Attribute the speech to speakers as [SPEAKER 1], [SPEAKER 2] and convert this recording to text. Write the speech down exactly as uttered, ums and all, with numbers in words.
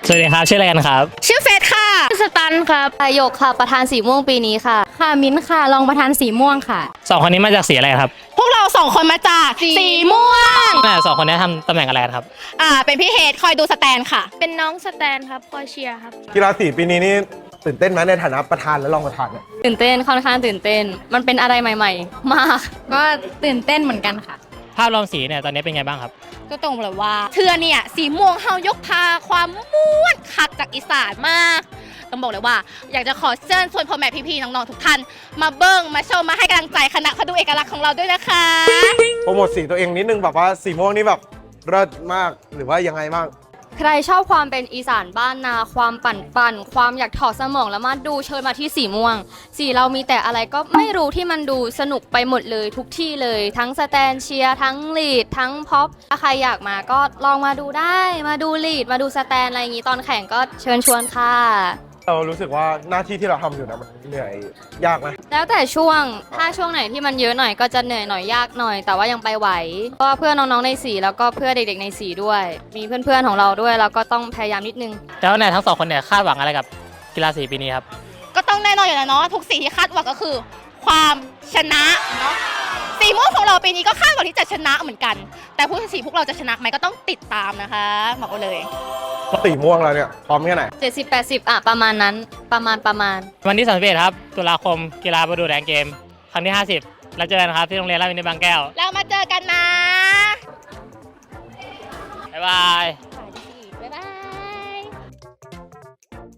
[SPEAKER 1] สวัสดีครับชื่ออะไรกันครับ
[SPEAKER 2] ชื่อเฟสค่ะ
[SPEAKER 3] สตันครับหยกค่ะประธานสีม่วงปีนี้ค่ะ
[SPEAKER 4] ค่ะมิ้นค่ะรองประธานสีม่วงค่ะ
[SPEAKER 1] สองคนนี้มาจากสีอะไรครับ
[SPEAKER 2] พวกเราสองคนมาจากสีม่วง
[SPEAKER 1] แม่สองคนนี้ทำตำแหน่งอะไรกันครับ
[SPEAKER 2] อ่าเป็นพี่เฮดคอยดูสแตนค่ะ
[SPEAKER 3] เป็นน้องสแตนครับคอยเชียร์ครับ
[SPEAKER 5] กีฬาสีปีนี้นี่ตื่นเต้นไหมในฐานะประธานและรองประธานเนี่ย
[SPEAKER 3] ตื่นเต้นค่อนข้างตื่นเต้นมันเป็นอะไรใหม่ๆมาก
[SPEAKER 4] ก็ตื่นเต้นเหมือนกันค่ะ
[SPEAKER 1] ภาพรวมสีเนี่ยตอนนี้เป็นไงบ้างครับ
[SPEAKER 2] ก็ตรงเลยว่าเทือเนี่ยสีม่วงเฮายกพาความม่วนคักจากอีสานมากต้องบอกเลยว่าอยากจะขอเชิญชวนพ่อแม่พี่ๆน้องๆทุกท่านมาเบิ้งมาชมมาให้กำลังใจคณะเขาดูเอกลักษณ์ของเราด้วยนะคะ
[SPEAKER 5] โปรโมทสีตัวเองนิดนึงแบบว่าสีม่วงนี่แบบเลิศมากหรือว่ายังไงบ้าง
[SPEAKER 3] ใครชอบความเป็นอีสานบ้านนาความปั่นปั่นความอยากถอดสมองแล้วมาดูเชิญมาที่สีม่วงสีเรามีแต่อะไรก็ไม่รู้ที่มันดูสนุกไปหมดเลยทุกที่เลยทั้งสแตนเชียร์ทั้งลีดทั้งพ็อปถ้าใครอยากมาก็ลองมาดูได้มาดูลีดมาดูสแตนอะไรอย่างนี้ตอนแข่งก็เชิญชวนค่ะ
[SPEAKER 5] เรารู้สึกว่าหน้าที่ที่เราทำอยู่นะมันเหนื่อยยากไหม
[SPEAKER 3] แล้วแต่ช่วงถ้าช่วงไหนที่มันเยอะหน่อยก็จะเหนื่อยหน่อยยากหน่อยแต่ว่ายังไปไหวเพราะเพื่อนน้องๆในสีแล้วก็เพื่อเด็กๆในสีด้วยมีเพื่อนๆของเราด้วยแล้วก็ต้องพยายามนิดนึง
[SPEAKER 1] แล้วเนี่ยทั้งสองคนเนี่ยคาดหวังอะไรกับกีฬาสีปีนี้ครับ
[SPEAKER 2] ก็ต้องแน่นอนอยู่แล้วเนาะทุกสีที่คาดหวังก็คือความชนะเนาะสีม่วงของเราปีนี้ก็คาดหวังที่จะชนะเหมือนกันแต่ผู้สีพวกเราจะชนะไหมก็ต้องติดตามนะคะบอกเลย
[SPEAKER 5] สีม่วงเราเนี่ยพร้อมแค่ไหน
[SPEAKER 3] เจ็ดสิบ แปดสิบอ่ะประมาณนั้นประมาณประมาณ
[SPEAKER 1] วันที่สามสิบเอ็ดครับตุลาคมกีฬาประดูแดงเกมครั้งที่ห้าสิบแล้วเจอกันครับที่โรงเรียนราชวินิตบางแก้ว
[SPEAKER 2] แล้วมาเจอกันนะ
[SPEAKER 1] บ๊ายบาย